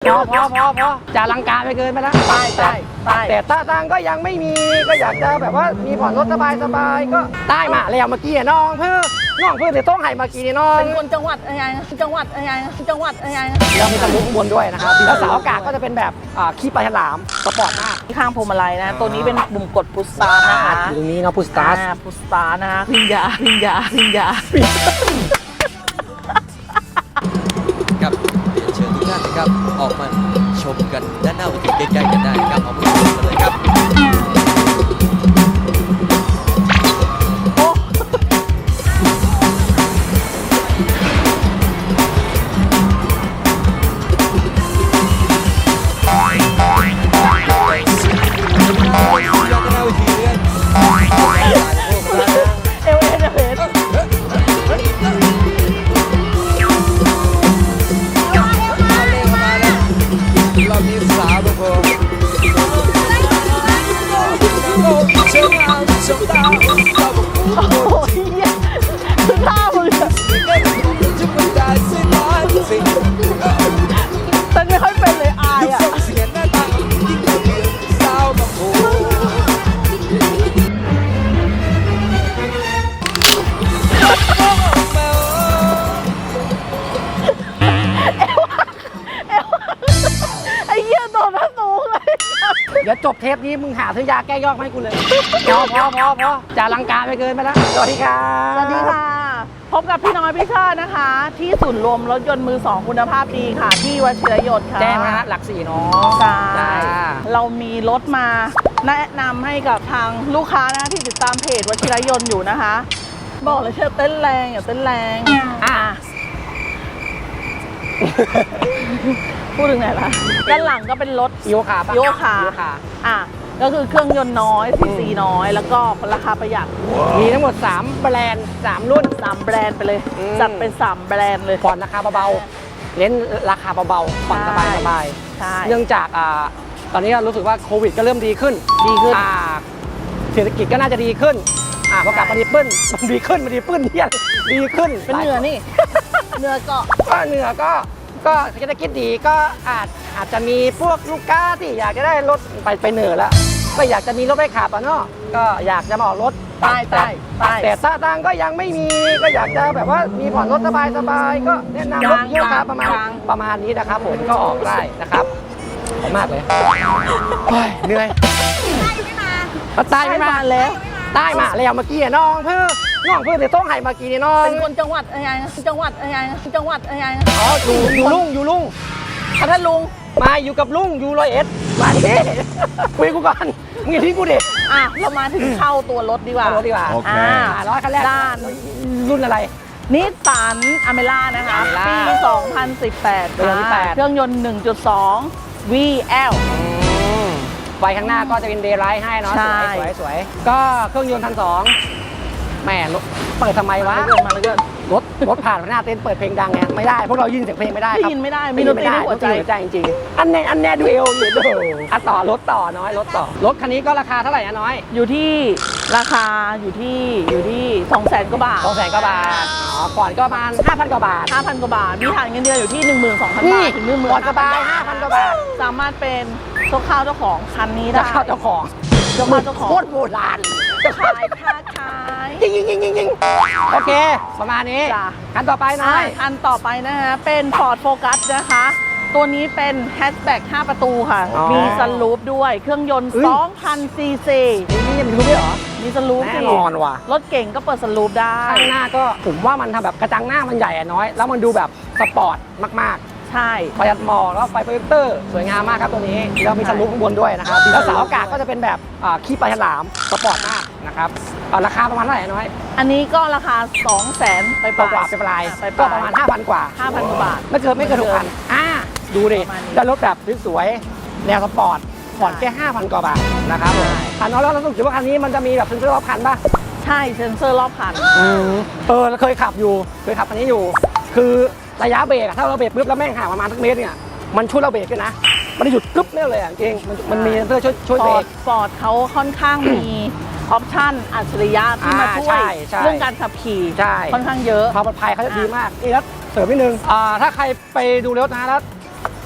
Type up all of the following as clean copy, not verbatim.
พอจะลังการไปเกินไปแล้วแต่ตาตังก็ยังไม่มีก็อยากจะแบบว่ามีผ่อนรถสบายก็ได้มาแล้วเมื่อกี้น้องเพื่อจะต้องให้เมื่อกี้น้องเป็นคนจังหวัดอะไรจังหวัดอะไรเรามีตะลุข้างบนด้วยนะครับแล้วเสาอากาศก็จะเป็นแบบขี้ปลาฉลามสปอร์ตมากข้างพวงมาลัยนะตัวนี้เป็นปุ่มกดพุชสตาร์ทนะคะตรงนี้เนาะพุชสตาร์ทนะคะพิญญาครับเรียนเชิญทุกท่านนะครับออกมาชมกันด้านหน้าเวทีใกล้ๆกันได้ครับเอาไปชมกันเลยครับตั้งไม่ค่อยเป็นเลยอายอ่ะไอ้เหี้ยโดนมาสูงเลยเดี๋ยวจบเทปนี้มึงหาซื้อยาแก้ยอกให้กูเลยพอจะลังการไปเกินไปแล้วสวัสดีครับสวัสดีค่ะพบกับพี่น้อยพี่ชาตินะคะ ที่ศูนย์รวมรถยนต์มือสองคุณภาพดีค่ะที่วชิรยนต์ค่ะแจ้งนะฮะหลัก4เนาะใช่เรามีรถมาแนะนำให้กับทางลูกค้านะที่ติดตามเพจวชิรยนต์อยู่นะคะบอกเลยเชื่อเต้นแรงอย่าเต้นแรงพูดถึงไหนล่ะด้านหลังก็เป็นรถโยคะก็คือเครื่องยนต์น้อยซีซีน้อยแล้วก็ราคาประหยัดมีทั้งหมด3แบรนด์3รุ่น 3แบรนด์ไปเลยจัดเป็น3แบรนด์เลยผ่อนราคาเบาๆเน้นราคาเบาๆผ่อนสบายเนื่องจากตอนนี้รู้สึกว่าโควิดก็เริ่มดีขึ้นเศรษฐกิจก็น่าจะดีขึ้นพอกลับมาดีขึ้นมันดีขึ้นเนี่ยดีขึ้นเป็นเหนือนี่เหนือก็เหนือก็เศรษฐกิจดีก็อาจจะมีพวกลูกค้าที่อยากจะได้รถไปเหนือแล้วก็อยากจะมีรถไปขับเนาะก็อยากจะมาออกรถแต่ตาตังก็ยังไม่มีก็อยากจะแบบว่ามีผ่อนรถสบายก็แนะนำรถโยคะประมาณนี้นะครับผมก็ออกได้นะครับขอบมากเลยเหนื่อยใต้ไม่มาแล้วเมื่อกี้น้องเพื่อจะต้องให้เมื่อกี้น้องเป็นคนจังหวัดอะไรอ๋ออยู่ลุงท่านลุงมาอยู่กับลุงอยู่101มาดิคุยกูก่อนมึงอย่าทิ้งกูดิเรามาถึงเข้าตัวรถดีกว่าโอเคร้อยคันแรกด้านรุ่นอะไรนิสสันอเมร่านะคะปี2018เครื่องยนต์ 1.2 VL ไฟข้างหน้าก็จะเป็นเดย์ไลท์ให้เนาะสวยก็เครื่องยนต์1.2แม่เปิดทำไมวะรถผ่านหน้าเต้นเปิดเพลงดังไงไม่ได้พวกเรายินเสียงเพลงไม่ได้ครับยินไม่ได้มีดนตรีในหัวใจจริงอันแน่ดูเอลอยู่ดูต่อรถคันนี้ก็ราคาเท่าไหร่นะน้อยอยู่ที่ราคาอยู่ที่200,000 กว่าบาทก่อนก็ประมาณ 5,000 กว่าบาทมีฐานเงินเดือนอยู่ที่ 12,000 บาทถึง 10,000 ผ่อนสบาย 5,000 กว่าบาทสามารถเป็นเจ้าของคันนี้ได้เจ้าของโคตรโบราณขายยิงโอเคประมาณนี้คันต่อไปน้อยคันต่อไปนะฮะเป็น Ford Focus นะคะตัวนี้เป็นแฮชแบ็ก5 ประตูค่ะมีซันรูฟด้วยเครื่องยนต์ 2,000 ซีซีนี่มีรูฟด้วยเหรอมีซันรูฟแน่นอนว่ะรถเก่งก็เปิดซันรูฟได้ข้างหน้าก็ผมว่ามันทำแบบกระจังหน้ามันใหญ่น้อยแล้วมันดูแบบสปอร์ตมากใช่ประหยัดหมอกแล้วไฟโปรเจคเตอร์สวยงามมากครับตัวนี้แล้วมีซันรูฟข้างบนด้วยนะครับแล้วเสาอากาศก็จะเป็นแบบขี้ปลาฉลามสปอร์ตมากนะครับราคาประมาณเท่าไหร่น้อยอันนี้ก็ราคา 200,000 ไปปลายก็ประมาณ 5,000 กว่า 5,000 กว่าบาทไม่เกิน 6,000ดูดิได้รถแบบสวยแนวสปอร์ตผ่อนแค่ 5,000 กว่าบาทนะครับคันน้อยแล้วเราต้องคิดว่าคันนี้มันจะมีแบบเซ็นเซอร์รอบคันป่ะใช่เซ็นเซอร์รอบคันเราเคยขับคันนี้อยู่คือระยะเบรกถ้าเราเบรกปุ๊บแล้วแม่งห่างประมาณสักเมตรเนี่ยมันช่วยเราเบรกด้วยนะมันหยุดกึ๊บเนี่ยเลยจริงมันมีเซ็นเซอร์ช่วยเบรกฟอร์ดเขาค่อนข้างมีออปชั่นอัจฉริยะที่มาช่วยเรื่องการขับขี่ค่อนข้างเยอะความปลอดภัยเขาจะดีมากนี่แล้วเสริมนิดนึงถ้าใครไปดูรถนะแล้ว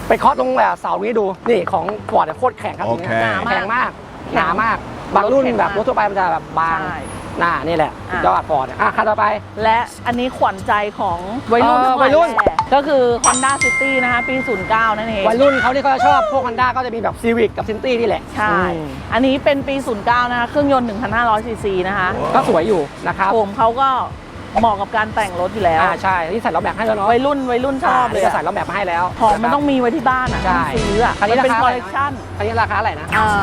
ไปเคาะตรงแบบเสานี้ดูนี่ของฟอร์ดโคตรแข็งครับโอเคแข็งมากหนามากบางรุ่นแบบรถทั่วไปมันจะแบบบางใช่นี่แหละยอดฟอร์ดคันต่อไปและอันนี้ขวัญใจของวัยรุ่นทั้งหลาวัยรุ่นแหละก็คือ Honda City นะคะปี 09 นั่นเองวัยรุ่นเขาที่เขาจะชอบพวก Honda ก็จะมีแบบ Civic กับ Sentry นี่แหละใช่ อันนี้เป็นปี 09 นะคะ เครื่องยนต์ 1,500 ซีซีนะคะก็สวยอยู่นะครับผมเขาก็เหมาะกับการแต่งรถอยู่แล้วใช่ที่ใส่ล้อแม็กให้แล้วเนาะวัยรุ่นชอบเลยจะใส่ล้อแม็กมาให้แล้วของมันต้องมีไว้ที่บ้านอ่ะใช่ต้องซื้ออ่ะคันนี้มันเป็นราคคาอลเลกชันคันนี้ราคาอะไรนะ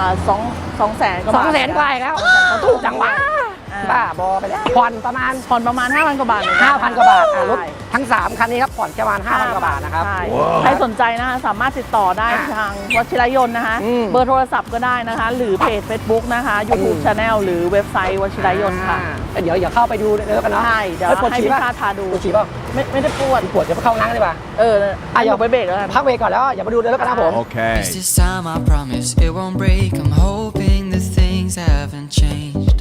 2 แสนกว่าสบาทองแสนกว่าอีกแล้วถูกจังวะบ้าบอไปแล้วผ่อนประมาณผ่อนประมาณ 5,000 กว่าบาทเหมือนกัน 5,000 กว่าบาทรถใช่ทั้ง 3 คันนี้ครับผ่อนประมาณ 5,000 กว่าบาทนะครับใช่ใครสนใจนะคะสามารถติดต่อได้ทางวชิรยนต์นะคะ เบอร์โทรศัพท์ก็ได้นะคะ หรือเพจ Facebook นะคะ YouTube Channel หรือเว็บไซต์วชิรยนต์ค่ะเดี๋ยวเข้าไปดูเดี๋ยวกันเนาะใช่เดี๋ยวปวดให้ฉี่พี่ป่ะชาพาดูปวดฉี่ป่ะไม่ได้ปวดปวดเดี๋ยวไปเข้าน้ำดีกว่าอย่าไปเบรกแล้วกันพักเวรก่อนแล้วอย่ามาดูเดี๋ยวกันนะผม Okay. This time I promise it won't break. I'm hoping that things haven't changed.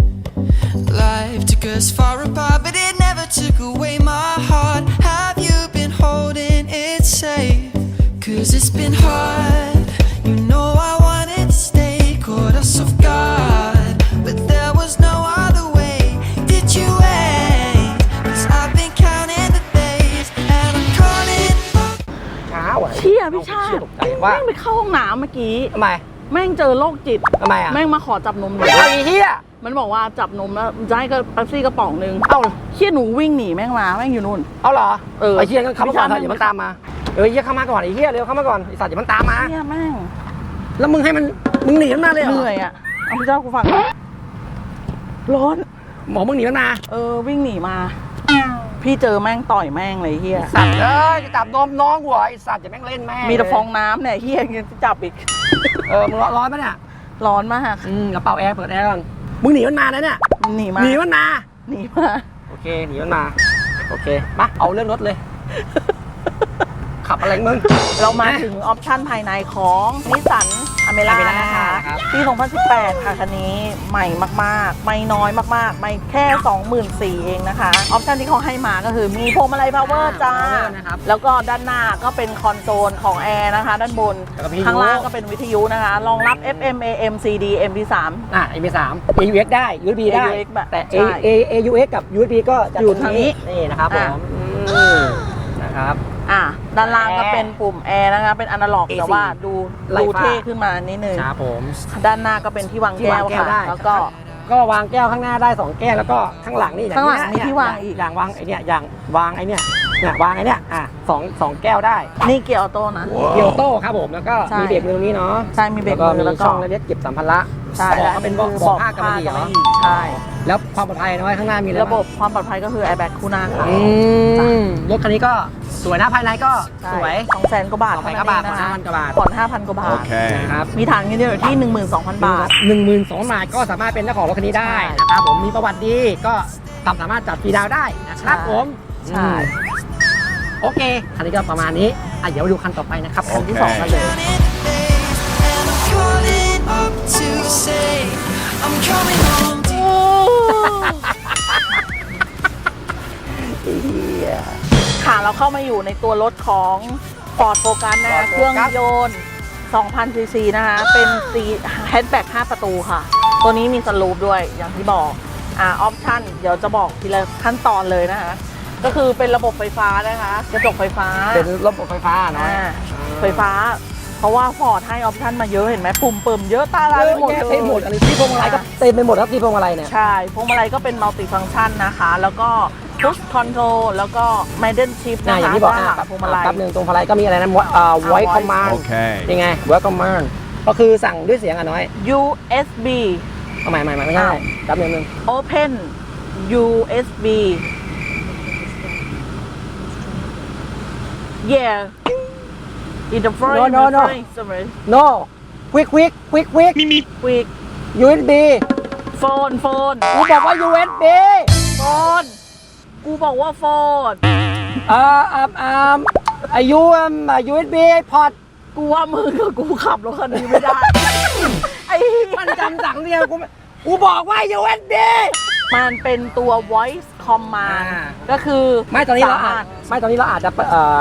Life took us far apart, but it never took away my heart. Have you been holding it safe? 'Cause it's been hard. You know I wanted to stay, caught us off guard, but there was no other way. Did you wait? 'Cause I've been counting the days, and I'm calling up. ช้าว่ะเชี่ยพี่ชาเชี่ยตกใจว่าแม่งไปเข้าห้องน้ำเมื่อกี้ทำไมแม่งเจอโรคจิตทำไมอ่ะแม่งมาขอจับนมหนูไอ้เหี้ยมันบอกว่าจับนมแล้วจะให้ก็เป๊ปซี่กระป๋องนึงเอ้าเชี่ยหนูวิ่งหนีแม่งมาแม่งอยู่นู่นเอาเหรอไอ้ไอ้เหี้ยก็เข้ามาก่อนไม่ใช่อย่ามันตามมาเหี้ยเข้ามาก่อนไอ้เหี้ยเร็วเข้ามาก่อนไอ้สัตว์อย่ามันตามมาเชี่ยแม่งแล้วมึงให้มันมึงหนีมันมาเลยเหรเหอนื่อยอ่ะเอาพี่เจ้ากูฟังหน่อยร้อนหมอมึงหนีมันมาวิ่งหนีมา พี่เจอแม่งต่อยแม่งเลยเฮียสัตว์จะจับนมน้องกูเหรอไอ้สัตว์อย่าแม่งเล่นแม่งมีแต่ฟองน้ำเนี่ยเฮียยังจะจับอีกมึงร้อนปะเนี่ยร้อนมากกระเป๋าแอร์เปิดแอร์ก่อนมึงหนีมันมาแล้วเนี่ยหนีมาหนีมันมาหนีมาโอเคหนีมันมาโอเคมาเอาเรื่องรถเลย ขับอะไรมึงเรามาถึงออปชั่นภายในของนิสสันอเมร่า Almera นะคะครับปี 2018 ค่ะคันนี้ใหม่มากๆ ไม่น้อยมากๆ ไม่แค่ 24,000 เองนะคะ ออปชั่นที่เขาให้มาก็คือมีพวงมาลัยพาวเวอร์จ้า power นะครับแล้วก็ด้านหน้าก็เป็นคอนโซลของแอร์นะคะ ด้านบนแล้วก็วิทยุข้างล่างก็เป็นวิทยุนะคะ รองรับ FM AM CD MP3 MP3 AUX ได้ USB ได้ AUX แบบแต่ใช่ AUX กับ USB ก็จะอยู่ทางนี้นี่นะครับผม นะครับด้านล่างก็เป็นปุ่มแอร์นะคะ เป็นอนาล็อก AC แต่ว่าดูไล่ฟ้าเท่ขึ้นมานิดนึงครับผมด้านหน้าก็เป็นที่วางที่แก้วางวแก้วค่ะได้แล้วก็ก็วางแก้วข้างหน้าได้2แก้วแล้วก็ข้างหลังนี่ข้างหลังอย่มีที่วางอีกอย่างวางไอเนี่ยอย่างวางไอเนี่ยวางไอเนี่ยสองแก้วได้นี่เกียร์ออโต้นะเกียวโต้ครับผมแล้วก็ใช่มีเบรกมือตรงนี้เนาะใช่มีเบรกมือมีแล้วก็ช่องเล็กๆเก็บสัมภาระใช่เบาะก็เป็นเบาะเบาะผ้ากำมะหยี่เหรอใช่แล้วความปลอดภัยน้อยข้างหน้ามีอะไรระบบความปลอดภัยก็คือ airbag คู่หน้าค่ะรถคันนี้ก็สวยนะภายในก็สวย 200,000 กว่าบาท 200,000 กว่าบาทเท่นั้นเอง 5,000 กว่าบาทผ่อน 5,000 กว่าบาท Okay. นะครับมีฐานเงินเดือนอยู่ที่ 12,000 บาท 12,000 บาทก็สามารถเป็นเจ้าของรถคันนี้ได้ใช่นะครับผมมีประวัติดีก็สามารถจัดฟรีดาวน์ได้นะครับใช่ผมใช่โอเคคันนี้ก็ประมาณนี้เดี๋ยวมาดูคันต่อไปนะครับคันที่โอเค 2กันเลย And I'm calling up to say I'm coming home to you. ค่ะเราเข้ามาอยู่ในตัวรถของ Ford Focus นะคะ Ford เครื่อง Focus ยนต์ 2,000 ซีซีนะคะ เป็นสีแฮชแบ็ก5 ประตูค่ะ ตัวนี้มีสลูปด้วยอย่างที่บอกออปชั่นเดี๋ยวจะบอกทีละขั้นตอนเลยนะคะ ก็คือเป็นระบบไฟฟ้านะคะกระจกไฟฟ้าเป็นระบบไฟฟ้าเนาะไฟฟ้า เพราะว่าฟอร์ดให้ออปชั่นมาเยอะเห็นไหมปุ่มเปิ่มเยอะตาลายไปหมดเลยเต็มหมดอะไรที่พวงมาลัยก็เต็มไปหมดครับที่พวงมาลัยเนี่ยใช่พวงมาลัยก็เป็นมัลติฟังก์ชันนะคะ แล้วก็พุชคอนโทรลแล้วก็ไมเดิลชิฟอนะคะย่างที่บอกด้านหลังพวงมาลัยแป๊บนึงตรงพวงมาลัยก็มีอะไรนะvoice command โอเคยังไง voice command ก็คือสั่งด้วยเสียงน้อย USB เอาใหม่ไม่ใช่แป๊บนึง Open USB yeah interface No, no, no. interface no quick quick USB โฟนกูบอกว่า USB โฟนกูบอกว่าโฟนอายุUSB port กูว่ามึงกับกูขับรถคันนี้ไม่ได้ ไอ้เหี้ยมันจำสั่งเดียวกูบอกว่า USB มันเป็นตัว voice command อ่าก็คือไม่ตอนนี้เราสมรถอาจจะ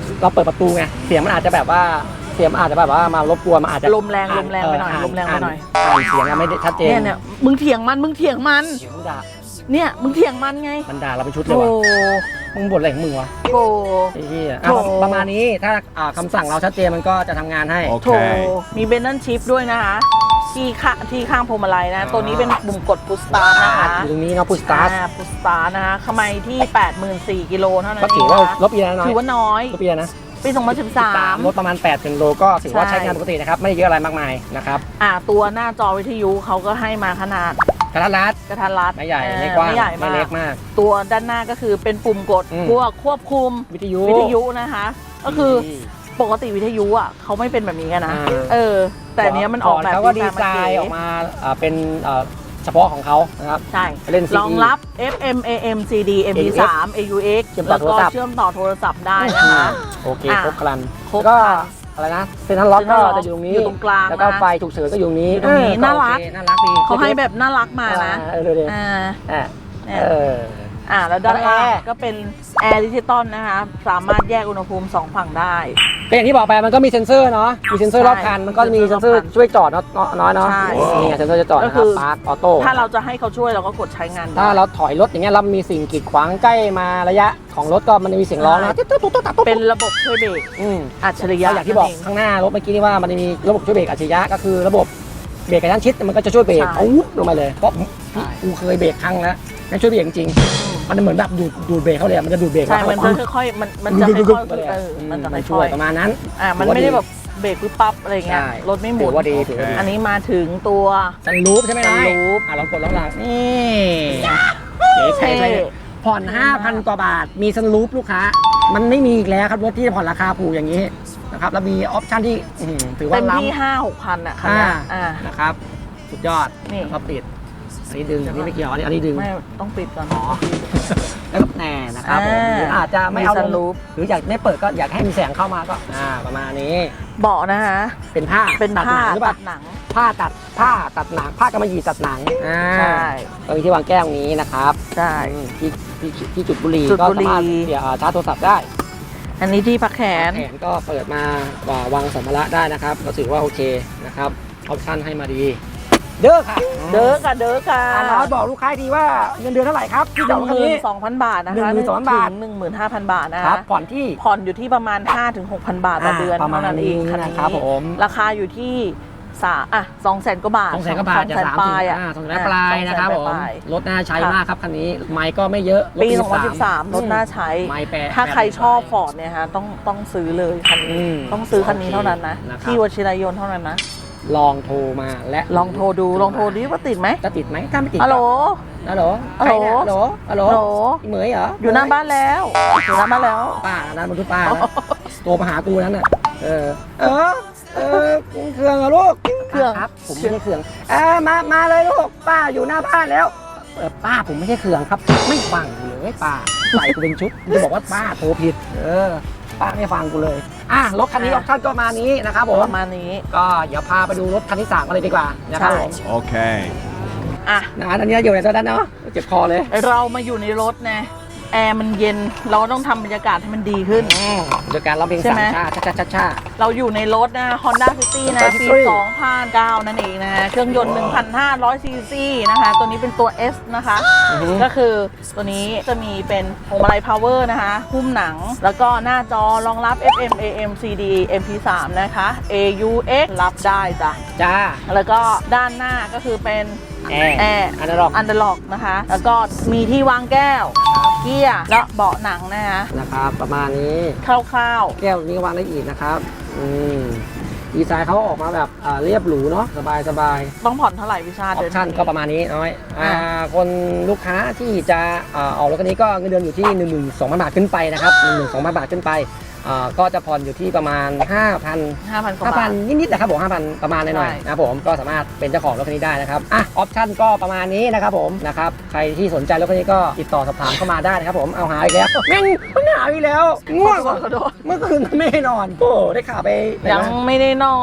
เราเปิดประตูไงเสียงมันอาจจะแบบว่ามารบกวนมันอาจจะลมแรงไปหน่อยลมแรงไปหน่อยอ่านเสียงอะไม่ได้ชัดเจนเนี่ยมึงเถียงมันเสียงมันด่าเนี่ยมึงเถียงมันไงมันด่าเราเป็นชุดเลยโอ้ว่ะมึงบ่นอะไรของมึงวะโหไอ้เหี้ยโถ่ประมาณนี้ถ้าคำสั่งเราชัดเจนมันก็จะทำงานให้โถมีเบนเนลชิปด้วยนะคะที่ข้างพวงมาลัยนะตัวนี้เป็นปุ่มกดพุชสตาร์ทนะคะอยู่ตรงนี้เนาะพุชสตาร์ทพุชสตาร์ทนะคะขมัยที่ 84,000 กิโลเท่านั้นก็เอถือง ว่านะคะลบปีแล้วน้อยถือว่าน้อยลบปีแล้วนะปี 2013 ลดประมาณ8 โลก็ถือว่าใช่ใช้งานปกตินะครับไม่ได้เยอะอะไรมากมายนะครับตัวหน้าจอวิทยุเขาก็ให้มาขนาดกระทัดรัดกระทัดรัดไม่ใหญ่ไม่กว้างไม่ใหญ่ไม่มากเล็กมากตัวด้านหน้าก็คือเป็นปุ่มกดอืมพวกควบคุมวิทยุนะคะ ก็คือปกติวิทยุอ่ะเขาไม่เป็นแบบนี้กันนะอ่าแต่อันเนี้ยมันออกแบบเขาก็ดีไซน์ออกมาเป็นเฉพาะของเขานะครับใช่เล่น CD รองรับ FM AM CD MP3 AUX เชื่อมต่แล้อวก็โทรศัพท์เชื่อมต่อโทรศัพท์ได้นะคะโอเคอ่ะครบครันครบก็ครันอะไรนะเซ็นทรัลล็อกก็ Central Lock จะอยู่ตรงนี้อยู่ตรงกลางแล้วก็นะไฟฉุกเฉินก็อยู่ตรงนี้อยู่ตรงนี้น่ารักโอเคน่ารักดีเขาให้แบบน่ารักมานะเร็วอ่าๆอ่ะเนี่ยเออแล้วด้านล่างแอร์ก็เป็นแอร์ดิจิตอลนะคะ สามารถแยกอุณหภูมิ2ฝั่งได้ก็อย่างที่บอกไปมันก็มีเซ็นเซอร์เนาะมีเซ็นเซอร์รอบคันมันก็มีเซ็นเซอร์ช่วยจอดเนาะน้อยเนาะใช่นี่ไงเซ็นเซอร์จะจอดก็นะคคืรับอปาร์คออโต้ถ้าเราจะให้เขาช่วยเราก็กดใช้งานได้ถ้าเราถอยรถอย่างเงี้ยเรามีสิ่งกีดขวางใกล้มาระยะของรถก็มันจะมีเสียงร้องนะตุ๊ดตุ๊ดตุ๊ดตุ๊ดเป็นระบบช่วยเบรก อัจฉริยะแล้วอย่างที่บอกข้างหน้ารถเมื่อกี้นี่ว่ามันจะมีระบบช่วยเบรกอัจฉริยะก็คือระบบเบรกกระชั้นชิดมันก็จะช่วยเบรกเอาวุ๊บลงมาเลยเพราะกูเคยเบรกครั้งแล้วมันช่วยเบรกจริงๆมันเหมือนแบบดูดเบรกเขาเลยมันจะดูดเบรกใช่มันจะค่อยๆมันจะค่อยๆมันจะมันค่ช่วอย ยประมาณนั้นๆมันไม่ได้แบบเบรกปึ๊บปั๊บอะไรเงี้ยใช่รถไม่หมุนถือว่าดีถือว่าดีอันนี้มาถึงตัวซันรูฟใช่ไหมซันรูฟลองกดลองหลังนี่เก๋ๆเลยผ่อน 5,000 กว่าบาทมีซันรูฟลูกค้ามันไม่มีอีกแล้วครับรถที่จะผ่อนราคาถูกอย่างนี้นะครับแล้วมีออปชั่นที่ถือว่าเต็มล้ำที่ 5-6 พันอ่ะคันเนี้ยนะครับสุดยอดนี่แล้วก็ปิดอันนี้ดึงอันนี้ไม่เกี่ยวอันนี้ดึงไม่ต้องปิดก่อนอ๋อแล้วก็แหน่นะครับผมหรืออาจจะไม่เอามี sunroof หรืออยากไม่เปิดก็อยากให้มีแสงเข้ามาก็ประมาณนี้เบาะนะคะเป็นผ้าเป็นผ้าตัดหนังหรือเปตัล่าดหนังผ้าตัดหนังผ้ากำมะหยี่ตัดหนังใช่ตรงนี้ที่วางแก้วนี้นะครับใช่ที่จุดบุหรี่จุดก็บุหรี่สามารถเสียชาร์จโทรศัพท์ได้อันนี้ที่พักแขนแขนก็เปิดมาวางสัมภาระได้นะครับก็ถือว่าโอเคนะครับออปชั่นให้มาดีเด้อค่ะเด้อค่ะน้อยบอกลูกค้าดีว่าเงินเดือนเท่าไหร่ครับที่ดอกคันนี้ 12,000 บาทนะคะ 12,000 บาทถึง 15,000 บาทนะครัคะบผ่อนที่ผ่อนอยู่ที่ประมาณ 5-6,000 บาทต่อเดือนประมาณเท่านั้นเองนี้คันนี้นะครับผมราคาอยู่ที่200,000 กว่าบาท 200,000 กว่าบาทจะ 200,000 ปลายอ่ะ 200,000 ปลายนะครับผมปลายรถน่าใช้มากครับคันนี้ไมค์ก็ไม่เยอะรถปี 2013 รถน่าใช้ไมค์แปดถ้าใครชอบฟอร์ดเนี่ยฮะต้องซื้อเลยคันนี้ ต้องซื้อคันนี้เท่านั้นนะ ที่วชิรยนต์เท่านั้นนะลองโทรมาและลองโทรดูลองโทรดิว่าติดไหมจะติดไหมถ้าไม่ติดฮัลโหลฮัลโหลฮัลโหลใครเนี่ยฮัลโหลฮัลโหลฮัลโหลเหมยเหรออยู่หน้าบ้านแล้วอยู่หน้าบ้านแล้วป้านั่นมันคือป้านะโทรมาหากูนั้นน่ะเออเครื่องเหรอลูกเครื่องครับผมไม่ใช่เครื่องมาเลยลูกป้าอยู่หน้าบ้านแล้วป้าผมไม่ใช่เครื่องครับไม่ฟังเลยป้าใส่กูเป็นชุดจะบอกว่าป้าโทรผิดป้าไม่ฟังกูเลยรถคันนี้ออปชั่นก็มานี้นะครับผมประมาณนี้ก็เดี๋ยวพาไปดูรถคันที่3กันเลยดีกว่านะครับผม Okay. อ่ะอันนี้อยู่ในตัวด้านเนาะเจ็บคอเลยเรามาอยู่ในรถนะแอร์มันเย็นเราต้องทำบรรยากาศให้มันดีขึ้นโดยการร้องเพลงใช่สาไหมมชาเราอยู่ในรถนะ Honda City นะ Honda ปี City 2009 นั่นเองนะเครื่องยนต์ 1,500 ซีซีนะคะ ตัวนี้เป็นตัว S นะคะ ก็คือตัวนี้จะมีเป็นพวงมาลัย power นะคะหุ้มหนัง แล้วก็หน้าจอรองรับ FM AM CD MP3 นะคะ AUX รับได้จ้ะ แล้วก็ด้านหน้าก็คือเป็นแอร์อันนั้นหรอกอันเดอร์ล็อกนะคะ แล้วก็มีที่วางแก้ว เกียร์และเบาะหนังนะคะนะครับประมาณนี้คร่าวแก้วนี้วางได้อีกนะครับดีไซน์เขาออกมาแบบเรียบหรูเนาะสบายๆ ต้องผ่อนเท่าไหร่วิชาออเดือปนชั่นนี้ก็ประมาณนี้น้อยคนลูกค้าที่จะออกรถคันนี้ก็เงินเดือนอยู่ที่ 12,000 บาทขึ้นไปนะครับ 12,000 บาทขึ้นไปก็จะผ่อนอยู่ที่ประมาณ 5,000 กว่าบาท 5,000 นิดๆนะครับผม 5,000 ประมาณหน่อยใช่ๆนะครับผมก็สามารถเป็นเจ้าของรถคันนี้ได้นะครับออปชั่นก็ประมาณนี้นะครับผมนะครับใครที่สนใจรถคันนี้ก็ติดต่อสอบถามเข้ามาได้นะครับผมเอาหาอีกแล้วแม่งหาอีกแล้วง่วงขอโทษเมื่อคืนไม่ได้นอนโอ้ได้ข่าวไปไหนยังมาไม่ได้นอน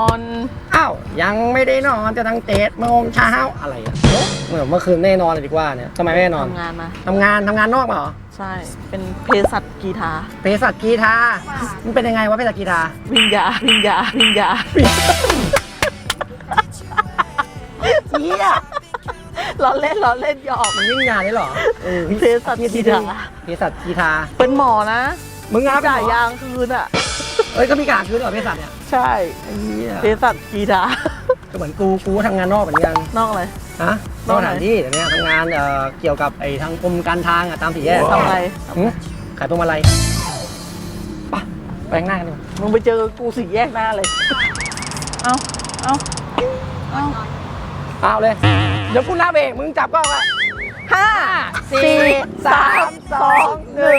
อ้าวยังไม่ได้นอนจะตั้ง7 โมงเช้าอะไรอ่ะเมื่อคืนไม่ได้นอนเลยดีกว่าเนี่ยทำไมไม่ได้นอนทำงานมาทำงานนอกมาเหรอใช่ เป็นเภสัชกีฬาเภสัชกีฬามันเป็นยังไงวะเภสัชกีฬาวิญญาวิญญาวิญญาเหี้ยล้อเล่นล้อเล่นหยอกมันวิ่งงานได้เหรอเภสัชกีฬาเภสัชกีฬาเป็นหมอนะมึงงานเป็นจ่ายหมอยางคืนอ่ะเอ้ยก็มีการคืนเหรอเภสัชเนี่ยใช่ไอ้เหี้ยเภสัชกีฬาก็เหมือนกูทำงานนอกเหมือนกันนอกเลยฮะนอกสถานที่แต่เนี้ยทำงานเกี่ยวกับไอ้ทางกรมการทางอะตามสี่แยกทำอะไรหืมขายพวงมาลัยไปไปข้างหน้ากันดีกว่ามึงไปเจอกูสี่แยกหน้าเลย เอาเอาเอาเอาเลย เดี๋ยวกูนับเองมึงจับกล้องไว้ห้าสี่สามสองหนึ่ง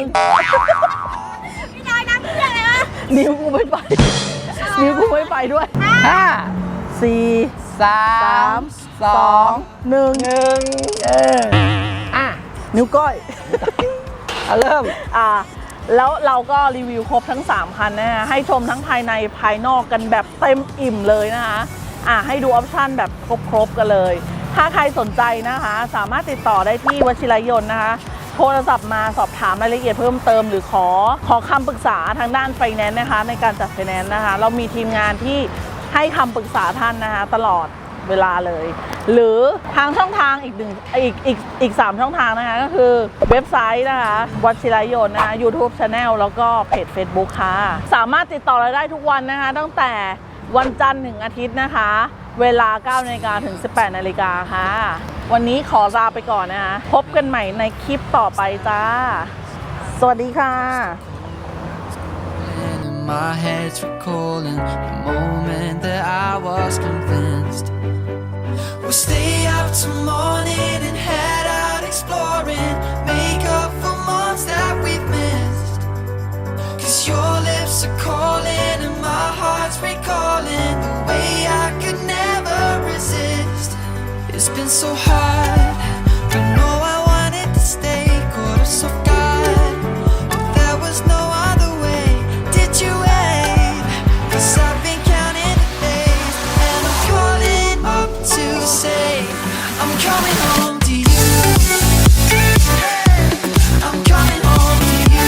นิ้วกูไม่ไป นิ้วกูไม่ไปด้วยห้าสี่สาสามมสองหนึ่งหนึ่งอ่ะนิ้วก้อยเอาเริ่มแล้วเราก็รีวิวครบทั้ง 3 คันนะฮะให้ชมทั้งภายในภายนอกกันแบบเต็มอิ่มเลยนะคะให้ดูออปชั่นแบบครบกันเลย ถ้าใครสนใจนะคะสามารถติดต่อได้ที่วชิรยนต์นะคะ โทรศัพท์มาสอบถามรายละเอียดเพิ่มเติมหรือขอคำปรึกษาทางด้านไฟแนนซ์นะคะในการจัดไฟแนนซ์นะคะ เรามีทีมงานที่ให้คำปรึกษาท่านนะคะตลอดเวลาเลย หรือทางช่องทางอีก 3 ช่องทางนะคะก็คือเว็บไซต์นะคะวชิรยนต์นะคะ YouTube Channel แล้วก็เพจ Facebook ค่ะสามารถติดต่อเราได้ทุกวันนะคะตั้งแต่วันจันทร์ถึงอาทิตย์นะคะเวลา 9 นาฬิกาถึง 18 นาฬิกาค่ะวันนี้ขอลาไปก่อนนะคะพบกันใหม่ในคลิปต่อไปจ้าสวัสดีค่ะ And my head's recalling the moment that I was convinced we'll stay up till morning and head out exploring, make up for months that we've missed. 'Cause your lips are calling and my heart's recalling the way I could never resist. It's been so hard, but no, I wanted to stay. Caught us off guard, but there was no other way. Did you wait? 'Cause I've been counting the days, and I'm calling up to say I'm coming home to you. I'm coming home to you.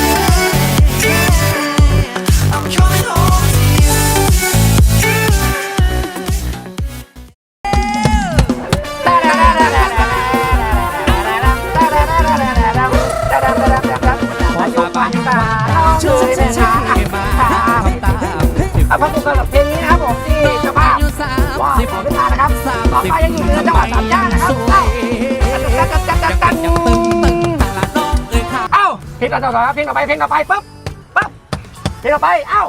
I'm coming home to you. เอาพบกันกับเพลงนี้นะครับผมที่เจ้าภาพว่าขอเวลานะครับต่อไปยังอยู่ในจังหวัดสามย่านนะครับเอ้าเพลงต่อๆเพลงต่อไปปุ๊บเพลงต่อไปเอ้า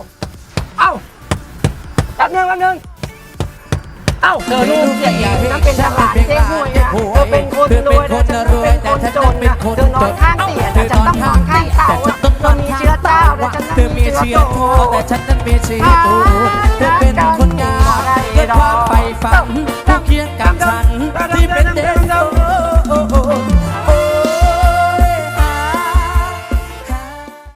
แป๊บนึงเอ้าเธอลูกเสียงนั้นเป็นทหารเจ๊ห่วยนะเธอเป็นคนรวยนะฉันเป็นคนจนนะเธอนอนข้างเตียงแต่ฉันต้องนอนข้างเต่าเธอมีเชื้อเจ้าแต่ฉันนั้นมีเชื้อโตแต่ฉันนั้นมีชีวิตเธอเป็นคนงามด้วยความใฝ่ฝันผู้เคียงกับฉัน